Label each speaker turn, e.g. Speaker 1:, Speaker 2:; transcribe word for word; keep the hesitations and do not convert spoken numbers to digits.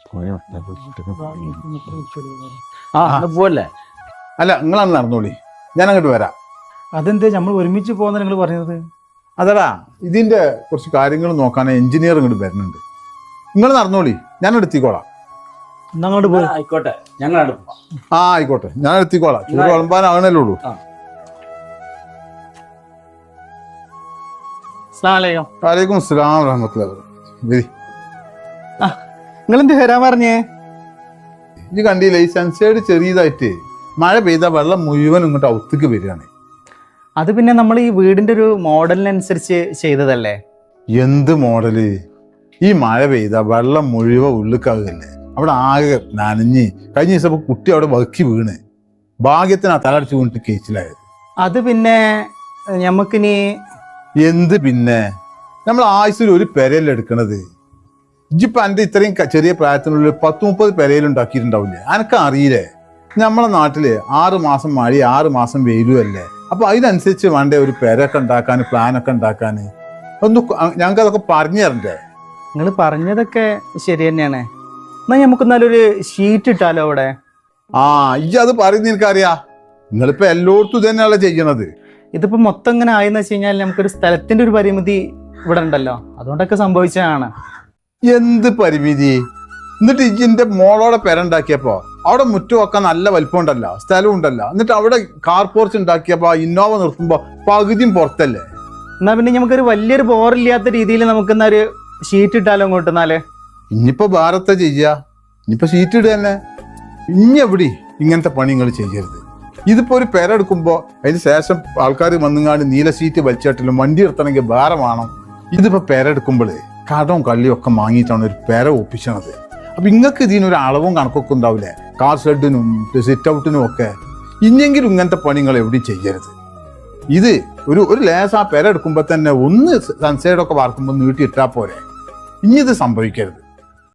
Speaker 1: പോലെ
Speaker 2: അല്ല നിങ്ങളന്ന് നടന്നോളി, ഞാൻ അങ്ങോട്ട് വരാം.
Speaker 3: അതെന്താ നമ്മൾ ഒരുമിച്ച് പോകുന്ന നിങ്ങൾ പറഞ്ഞത്?
Speaker 2: അതടാ, ഇതിന്റെ കുറച്ച് കാര്യങ്ങൾ നോക്കാൻ എഞ്ചിനീയർ ഇങ്ങോട്ട് വരുന്നുണ്ട്. നിങ്ങൾ നടന്നോളി, ഞാൻ എടുത്തിക്കോളാം.
Speaker 3: അങ്ങോട്ട് പോയി.
Speaker 1: ആയിക്കോട്ടെ, ഞങ്ങൾ
Speaker 2: ആ ആയിക്കോട്ടെ, ഞാൻ എടുത്തിക്കോളാം. ചൂട് വിളമ്പാനാകണല്ലേ ഉള്ളൂ. വലൈക്കും അസ്സലാം വറഹ്മത്തുള്ളാഹി.
Speaker 3: നിങ്ങൾ എന്ത് വരാൻ പറഞ്ഞേ?
Speaker 2: ഇത് കണ്ടില്ലേ, ഈ സൺസൈഡ് ചെറിയതായിട്ട് മഴ പെയ്താൽ വെള്ളം മുഴുവൻ ഇങ്ങോട്ട് ഔത്തേക്ക് വരികയാണ്.
Speaker 3: അത് പിന്നെ നമ്മൾ ഈ വീടിന്റെ ഒരു മോഡലിനനുസരിച്ച് ചെയ്തതല്ലേ?
Speaker 2: എന്ത് മോഡല്? ഈ മഴ പെയ്താ വെള്ളം മുഴുവൻ ഉള്ളിക്കാവുകയല്ലേ, അവിടെ ആകെ നനഞ്ഞ്. കഴിഞ്ഞ ദിവസം കുട്ടി അവിടെ വക്കി വീണ്, ഭാഗ്യത്തിന് ആ തലടിച്ച് വീണിട്ട് കേച്ചിലായത്.
Speaker 3: അത് പിന്നെ ഞമ്മക്കിനി
Speaker 2: എന്ത് പിന്നെ, നമ്മൾ ആയുസ്സിൽ ഒരു പെരയല്ല എടുക്കണത്. ഇജിപ്പം എൻ്റെ ഇത്രയും ചെറിയ പ്രായത്തിനുള്ളിൽ പത്ത് മുപ്പത് പെരയിലുണ്ടാക്കിയിട്ടുണ്ടാവില്ലേ? അനക്ക് അറിയില്ലേ, നമ്മളെ നാട്ടില് ആറ് മാസം മഴ ആറ് മാസം വെയിലും അല്ലേ. അപ്പൊ അതിനനുസരിച്ച് വേണ്ടേ ഒരു പെരൊക്കെ ഉണ്ടാക്കാൻ, പ്ലാനൊക്കെ ഉണ്ടാക്കാൻ. ഒന്ന് ഞങ്ങൾക്ക് അതൊക്കെ പറഞ്ഞു തരണ്ടേ?
Speaker 3: നിങ്ങൾ പറഞ്ഞതൊക്കെ ശരി തന്നെയാണ്. എന്നാ നമുക്ക് നല്ലൊരു ഷീറ്റ് ഇട്ടാലോ അവിടെ?
Speaker 2: ആ ഇജ്ജ് അത് പറയുന്ന എനിക്കറിയാ. നിങ്ങളിപ്പോ എല്ലായിടത്തും ഇത് തന്നെയല്ലേ ചെയ്യണത്.
Speaker 3: ഇതിപ്പോ മൊത്തം ഇങ്ങനെ ആയെന്ന് വെച്ച് കഴിഞ്ഞാൽ നമുക്കൊരു സ്ഥലത്തിന്റെ ഒരു പരിമിതി ഇവിടെ ഉണ്ടല്ലോ, അതുകൊണ്ടൊക്കെ സംഭവിച്ചതാണ്.
Speaker 2: എന്ത് പരിമിതി? എന്നിട്ട് ഇജിന്റെ മോളോടെ പെരണ്ടാക്കിയപ്പോ അവിടെ മുറ്റം വെക്കാൻ നല്ല വലിപ്പം ഉണ്ടല്ലോ, സ്ഥലം ഉണ്ടല്ലോ. എന്നിട്ട് അവിടെ കാർ പോർച്ച് ഉണ്ടാക്കിയപ്പോ ഇന്നോവ നിർത്തുമ്പോ പകുതിയും പുറത്തല്ലേ.
Speaker 3: എന്നാ പിന്നെ നമുക്കൊരു വലിയൊരു ബോറില്ലാത്ത രീതിയിൽ നമുക്ക് എന്നാ ഒരു ഷീറ്റ് ഇട്ടാലോ അങ്ങോട്ട്? എന്നാല്
Speaker 2: ഇനിയിപ്പോ ഭാരത്തെ ചെയ്യാ, ഇനിയിപ്പോ ഷീറ്റ് ഇടുക തന്നെ. ഇനി എവിടെ ഇങ്ങനത്തെ പണി നിങ്ങൾ ചെയ്യരുത്. ഇതിപ്പോ ഒരു പെര എടുക്കുമ്പോ അതിന് ശേഷം ആൾക്കാർ വന്നുങ്ങാണ്ട് നീല ഷീറ്റ് വലിച്ചിട്ടിലും വണ്ടി നിർത്തണമെങ്കിൽ ഭാരം വേണം. ഇതിപ്പോ പെര എടുക്കുമ്പോഴേ കടവും കള്ളിയും ഒക്കെ വാങ്ങിയിട്ടാണ് ഒരു പെര ഒപ്പിച്ചണത്. അപ്പൊ ഇങ്ങക്ക് ഇതിനൊരു അളവും കണക്കൊക്കെ ഉണ്ടാവില്ലേ, കാർ ഷെഡിനും സിറ്റ് ഔട്ടിനും ഒക്കെ. ഇനിയെങ്കിലും ഇങ്ങനത്തെ പണികൾ എവിടെയും ചെയ്യരുത്. ഇത് ഒരു ഒരു ലേസ് ആ പെര എടുക്കുമ്പോ തന്നെ ഒന്ന് സൺസൈഡൊക്കെ വാർക്കുമ്പോൾ നീട്ടിയിട്ടാ പോരെ. ഇനി ഇത് സംഭവിക്കരുത്.